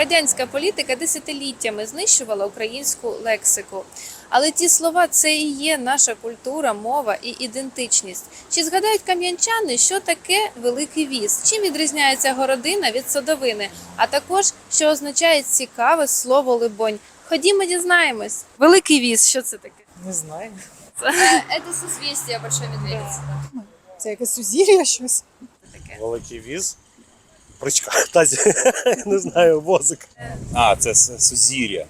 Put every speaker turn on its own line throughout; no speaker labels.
Радянська політика десятиліттями знищувала українську лексику. Але ті слова – це і є наша культура, мова і ідентичність. Чи згадають кам'янчани, що таке великий віз? Чим відрізняється городина від садовини? А також, що означає цікаве слово «либонь». Ходімо, дізнаємось. Великий віз, що це таке?
Не знаю.
Це созвістя Большої Медведиці.
Це якесь сузір'я щось.
Великий віз. Причка, тазі, не знаю, возик.
А, це сузір'я.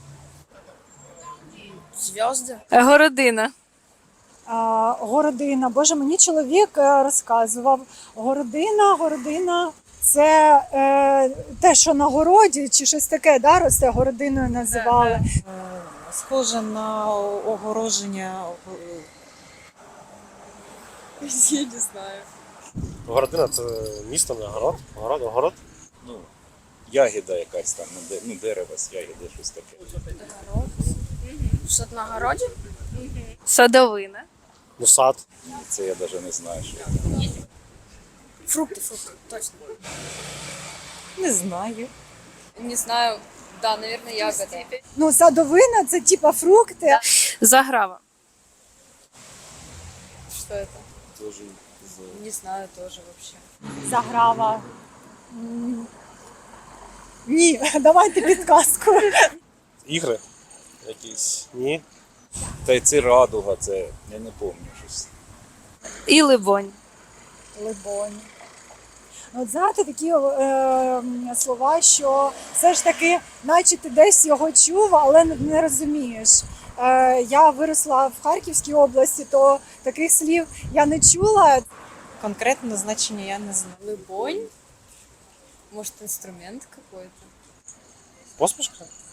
Зв'язки. Городина.
Городина. Боже, мені чоловік розказував. Городина – це те, що на городі, чи щось таке, да, росте, городиною називали.
Схоже на огороження. Я не знаю.
Городина це місто, не город. Город.
Ну, ягіда якась там, дерево з ягіди, щось таке.
Що на городі? Садовина.
Ну, сад.
Це я навіть не знаю, що.
Фрукти, точно.
Не знаю.
Не знаю, да, наверное, ягода.
Ну, садовина – це типа фрукти.
Заграва.
Что это?
Тоже
Не знаю тоже вообще.
Заграва. Ні, давайте підказку.
Ігри якісь. Ні.
Та й це радуга, це я не пам'ятаю щось.
І либонь.
Либонь. От знаєте, такі слова, що все ж таки, наче ти десь його чув, але не розумієш. Я виросла в Харківській області, то таких слів я не чула.
Конкретное значение я не знаю.
Лыбонь? Может, инструмент какой-то?
Посмішка?